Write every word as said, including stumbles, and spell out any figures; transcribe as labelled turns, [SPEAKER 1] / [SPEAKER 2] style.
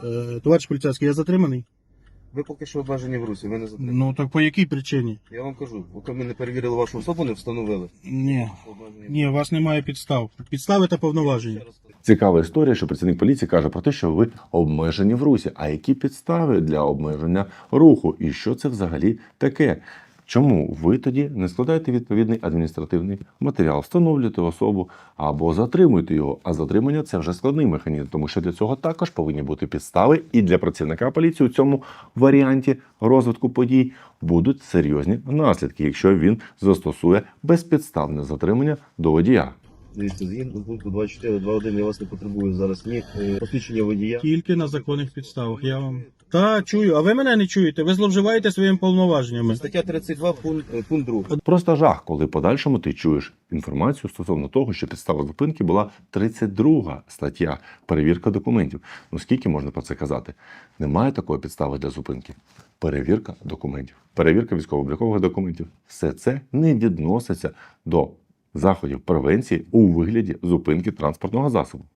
[SPEAKER 1] Е, Товариш поліцейський, я затриманий?
[SPEAKER 2] Ви поки що обмежені в русі, ви не затримані.
[SPEAKER 1] Ну так по якій причині?
[SPEAKER 2] Я вам кажу, поки ми не перевірили вашу особу, не встановили.
[SPEAKER 1] Ні.
[SPEAKER 2] Обмежені в
[SPEAKER 1] Ні, у вас немає підстав. Підстави та повноваження.
[SPEAKER 2] Ще раз кажу.
[SPEAKER 3] Цікава історія, що працівник поліції каже про те, що ви обмежені в русі. А які підстави для обмеження руху? І що це взагалі таке? Чому ви тоді не складаєте відповідний адміністративний матеріал, встановлюєте особу або затримуєте його? А затримання – це вже складний механізм, тому що для цього також повинні бути підстави. І для працівника поліції у цьому варіанті розвитку подій будуть серйозні наслідки, якщо він застосує безпідставне затримання до водія.
[SPEAKER 2] Дивіться, згідно пункту двадцять чотири два один я вас не потребую зараз ні е, посвідчення водія.
[SPEAKER 1] Тільки на законних підставах. Я вам. Та чую, а ви мене не чуєте? Ви зловживаєте своїми повноваженнями.
[SPEAKER 2] Стаття тридцять два, пункт, е, пункт другий.
[SPEAKER 3] Просто жах, коли в подальшому ти чуєш інформацію стосовно того, що підстава зупинки була тридцять друга стаття «Перевірка документів». Ну скільки можна про це казати? Немає такої підстави для зупинки. Перевірка документів, перевірка військово-облікових документів. Все це не відноситься до заходів превенції у вигляді зупинки транспортного засобу.